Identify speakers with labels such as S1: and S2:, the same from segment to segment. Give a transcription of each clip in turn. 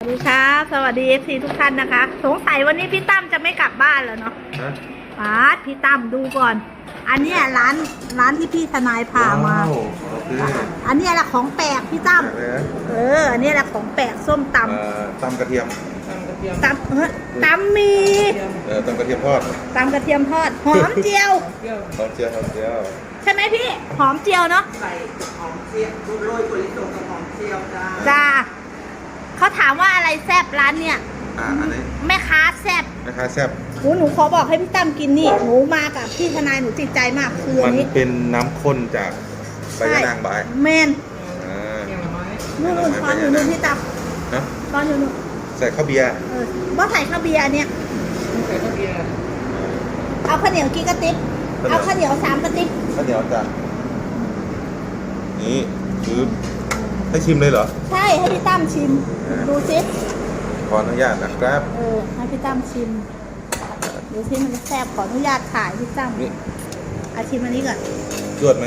S1: สวัสดีครับสวัสดีFCทุกท่านนะคะสงสัยวันนี้พี่ตั้มจะไม่กลับบ้านแล้วเนาะพี่ตั้มดูก่อน อันนี้ร้านที่พี่ทนายพามาอันนี้แหละของแปลกพี่ตั้มอันนี้แหละของแปลกส้มตำ
S2: ตำกระเทียม
S1: ตำมี
S2: ตำกระเทียมทอด
S1: ตำกระเทียมทอดหอมเจียว
S2: หอมเจียว
S1: ใช่ไหมพี่หอมเจียวเนาะ
S3: ใส่หอมเจียวโรยถั่วลิสงกับหอมเจียว
S1: จ้าเขาถามว่าอะไรแซ่บร้านเนี่ย
S2: อันนี้
S1: แม่ค้าแซ่บหนูขอบอกให้พี่ตั้มกินนี่หนูมากับพี่ทนายหนูติดใจมากคืออันนี้
S2: เป็นน้ำข้นจากใบยะนางบาย
S1: แมนนู่นตอนอยู่นู่นพี่ตั้มตอนอยู่นู่น
S2: ใส่ข้าวเบียร์
S1: ว่าใส่ข้าวเบียร์เนี่ย
S3: ใส่ข้าวเบียร์
S1: เอาข้าวเหนียวกี่กระติบเอาข้าวเหนียว3 กระติบ
S2: ข้าวเหนียวจ้ะนี่คือให้ชิมเลยเหรอ
S1: ใช่ให้พี่ตั้มชิมดูซิ
S2: ขออนุญาตนะครับ
S1: ให้พี่ตั้มชิมดูซิมันแซ่บขออนุญาตถ่ายพี่ตั้มชิมอันนี้ก่อน
S2: จวดไหม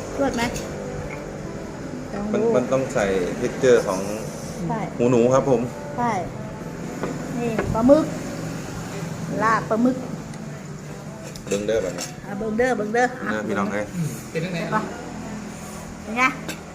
S2: มันต้องใส่เท็กเจอร์ของหูหนูครับผม
S1: ใช่นี่ปลาหมึกลาบปลาหมึก
S2: เบิ้งเด้อแบบนี้
S1: เบิ้งเด้อ
S2: พี่น้องไง
S3: เป็นยังไง
S1: เป็นไง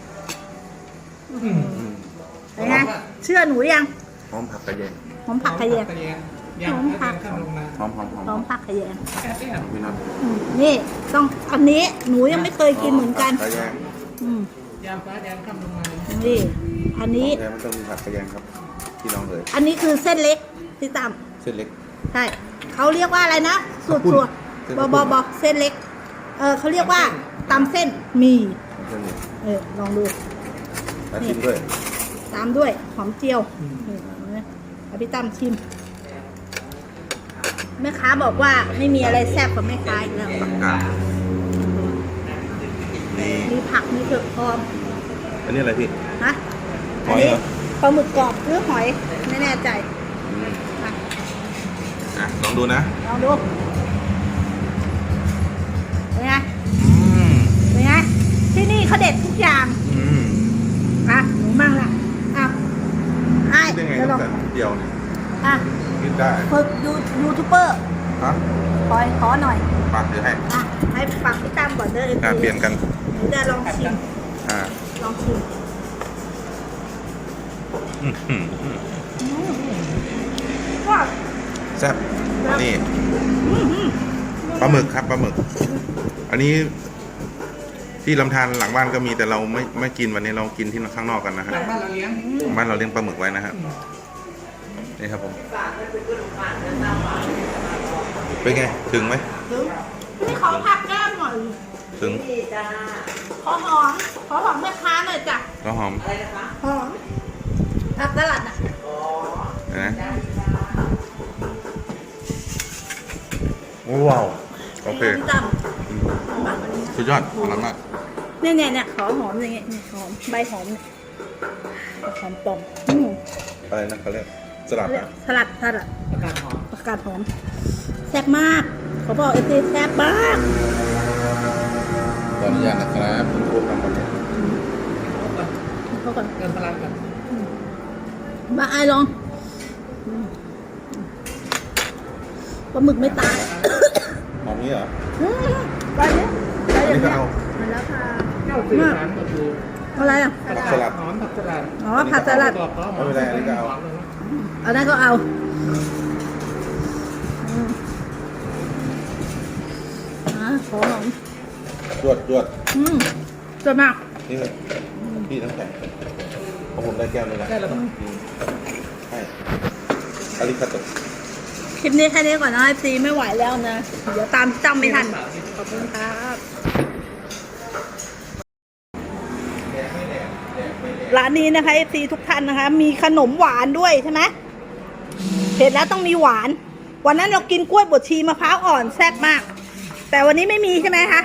S1: เป็นไงเชื่อหนูยัง
S2: หอมผักกระเยง
S1: หอมผักขยง
S3: หอมผัก
S2: หอม
S1: ผักขยง
S2: พี่น้อง
S1: นี่ต้องอันนี้หนูยังไม่เคยกินเหมือนกัน
S3: ยำฟ้าแดงข้ามลงมา
S1: นี่อันนี้
S2: มันต้องมีผักกระเยงครับพี่น้องเลย
S1: อันนี้คือเส้นเล็กที่ตาม
S2: เส้นเล็ก
S1: ใช่เขาเรียกว่าอะไรนะสูตรบเส้นเล็กเขาเรียกว่าตำเส้นมีลองดู
S2: ชิมด้วย
S1: ตามด้วยหอมเจียวพี่ตั้มชิมแม่ค้าบอกว่าไม่มีอะไรแซ่บกว่าแม่ค้าอีกแล้วมีผักมีเผือกพร้อม
S2: อันนี้อะไรพี่
S1: ฮะอันนี้ปลาหมึกกรอบหรือหอยไม่แน่ใจ
S2: ลองดูนะ
S1: ลองดูเป็นไงที่นี่เขาเด็ดทุกอย่างหนูมั่งล่ะ
S2: เป็นไงต้องแต่เดียวเนี่ยกินได้
S1: ฝึกยูทูบเบอร์ขอหน่อย
S2: ฝากเดี๋ยว
S1: ให้ฝากพี่ตั้มก่อนเด้อ
S2: เปลี่ยนกัน
S1: หนูจะลองชิม
S2: แซ่บนี่ปลาหมึกครับปลาหมึกอันนี้ที่ลำธารหลังบ้านก็มีแต่เราไม่กินวันนี้เรากินที่ข้างนอกกันนะฮะ
S3: หลังบ้านเราเ
S2: ลี้ยงปลาหมึกไว้นะครับนี่ครับผมเป็นไงถึงไหม
S1: นี่ขอผักแก้มหน่อย
S2: ถึง
S1: ขอหอมแม่ค้าหน่อยจ้ะ
S2: ก็หอม
S1: หอมผักสลัดนะ
S2: ว้าวโอเคสุดยอดอร่อยมาก
S1: เนี่ยขอหอมอย่างเงี้ยหอมใบหอมหอมปอม
S2: อะไรนะเขาเรียกสลัด
S1: ผักกาดหอมแซ่บมากเขาบอกแซ่บมาก
S2: ขออนุญาตนะครับคุณครูทำแบบนี้
S1: เขาก่อน
S3: เติมพลังกัน
S1: มาลองปลาหมึกไม่ตาย
S2: หอมนี้เหรอ
S1: ไปเนี่ย
S2: นี่ก็เอา
S1: แล้วค่ะ
S3: อะไร
S1: ผัก
S2: สลัด
S3: ผักสลัด
S1: ผักสลัด
S2: ไม่เป็นไรอันนี้ก็เอา
S1: อันนั้นก็เอาขอหอม
S2: จวด
S1: จวดมาก
S2: นี่พี่น้ำแข็งของผมได้แก้วเลยนะ
S3: ได้แล้ว
S2: ใช่อาริคาโต
S1: คลิปนี้แค่นี้ก่อนนะซีไม่ไหวแล้วนะเดี๋ยวตามจำไม่ทันขอบคุณครับร้านนี้นะคะซีทุกท่านนะคะมีขนมหวานด้วยใช่ไหมเผ็ดแล้วต้องมีหวานวันนั้นเรากินกล้วยบดชีมะพร้าวอ่อนแซ่บมากแต่วันนี้ไม่มีใช่ไหมคะ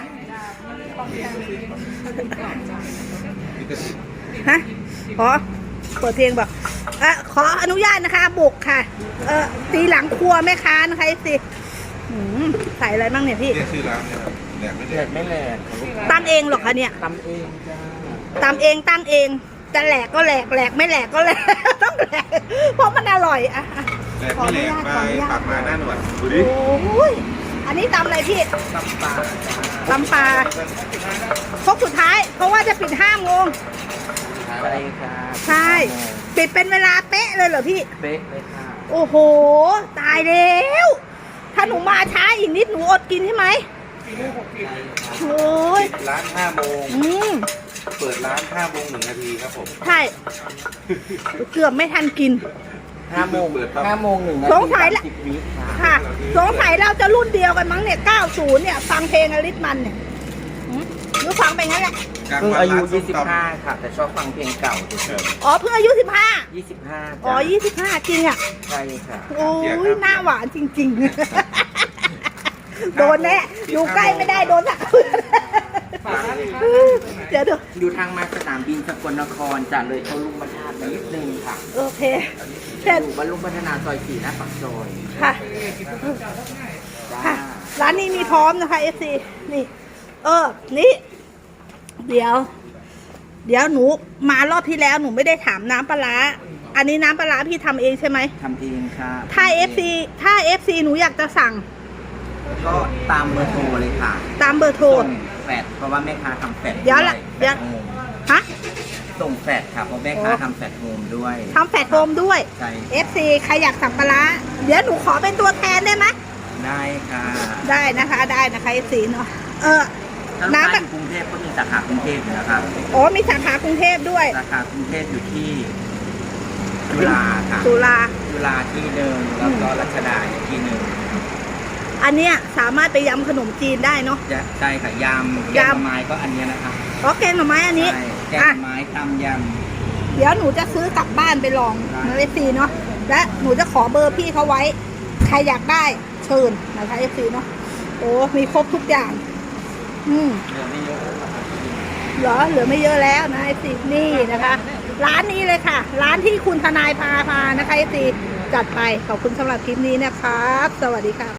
S1: ขอเปิดเพลงบอกขออนุญาตนะคะบุกค่ะตีหลังครัวแม่ค้านะคะสิใส่อะไรบ้างเนี่ยพี่
S2: ชื่อร้านเนี่ยแหลกไม่แหลก
S1: ตั้งเองหรอคะเนี่ย
S3: ตำเอง
S1: จ้าตั้งเองจะแหลกก็แหลกไม่แหลกก็แหลกต้องแหลกเพราะร่อยอ่ะ
S2: แหลกไม่แหลกไปปากมาหน้าหนวดดูดิ
S1: โอ้ยอันนี้ตำอะไรพี่
S3: ตำปลา
S1: ตำปลาครกสุดท้าย เพราะว่าจะปิด5 โมง
S3: ใช่ครับ
S1: ใช่ ปิดเป็นเวลาเป๊ะเลยเหรอพี่
S3: เป๊ะเลยค่ะ
S1: โอ้โห ตายแล้ว ถ้าหนูมาช้าอีกนิดหนูอดกินใช่ไหมโอ้ย
S2: ร้าน5 โมง
S1: อืม
S2: เปิดร้าน5 โมง 1 นาทีครับผม
S1: ใช่ เกือบไม่ทันกิน
S3: 5 โมง 5 โมง1 นาที
S1: สงสัยละ
S3: 30 วิค่ะ
S1: ค่ะ สงสัยเราจะรุ่นเดียวกันมั้งเนี่ย 90 เนี่ย ฟังเพลงอลิสมันเนี่ยหืมหรือฟังไปงั้นแหละ
S3: เพิ่งอายุ 25 ค่ะ แต่ชอบฟังเพลงเก่าเฉย
S1: อ๋อ เพิ่งอายุ 15
S3: ๆ25
S1: อ๋อ
S3: จ้ะ
S1: 25 จริงอ่ะ
S3: ใช่ค่ะ
S1: โอ้ยหน้าหวานจริง ๆ โดนแน่อยู่ใกล้ไม่ได้โดนสักเดี๋ยวดู
S3: อยู่ทางมาสนามบินสกลนครจะเลยเขาลุงบรรทัดนิดนึงค่ะ
S1: โอเคเสร็จ
S3: อยู่บรรลุพัฒนาซอย 4 หน้าปากซอย
S1: ค่ะ
S3: จ้า
S1: ค่ะ ร้านนี้มีพร้อมนะคะ FC นี่ นี่ เดี๋ยวหนูมารอบที่แล้วหนูไม่ได้ถามน้ำปลาร้าอันนี้น้ำปลาร้าพี่ทำเองใช่ไหม
S3: ทำเองค่ะ
S1: ถ้า FC หนูอยากจะสั่ง
S3: ก็ตามเบอร์โทรเลยค่ะ
S1: ตามเบอร์โทร
S3: ส่งแฟดเพราะว่าแม่ค้าทำแฟด
S1: เดี๋ยวละ
S3: แฟ
S1: เดี๋ยว
S3: ดโฮม
S1: ฮะ
S3: ส่งแฟดค่ะเพราะแม่ค้าทำแฟดโฮมด้วย
S1: ทำแฟลตโฟมด้วย
S3: ใช่
S1: FC ใครอยากสั่งปลาร้าเดี๋ยวหนูขอเป็นตัวแทนได้ไหม
S3: ได้ค่ะ
S1: ได้นะคะ FC เนาะ
S3: ถ้าลูก
S1: น้ำ
S3: ค้าอยู่กรุงเทพก็มีสาขากรุงเทพอยู่นะครับ
S1: อ๋อมีสาขากรุงเทพด้วย
S3: สาขากรุงเทพอยู่ที่จุฬาค่ะ
S1: จุฬา
S3: จุฬาที่หนึ่งแล้วก็รัชดาอีกที่หนึ่ง
S1: อันเนี้ยสามารถไปยำขนมจีนได้เนาะ
S3: ใช่ค่ะยำแกงหน่อไม้ก็อันเนี้ยนะคะ
S1: อ๋อแกงหน่อไม้อันนี้
S3: ใช่แกงห
S1: อ่ะ
S3: น่อไม้ตำย
S1: เดี๋ยวหนูจะซื้อกลับบ้านไปลอง
S3: ได้
S1: นะ FC เนาะและหนูจะขอเบอร์พี่เขาไว้ ใครอยากได้เชิญนะคะ FC เนาะโอ้มีครบทุกอย่าง
S3: ำเหลือไม่เยอะแล้วค่ะ
S1: เหลือไม่เยอะแล้วนะ FC นี่นะคะ ร้านนี้เลยค่ะ ร้านที่คุณทนายพานะคะ FC จัดไปขอบคุณสำหรับคลิปนี้นะครับ สวัสดีค่ะ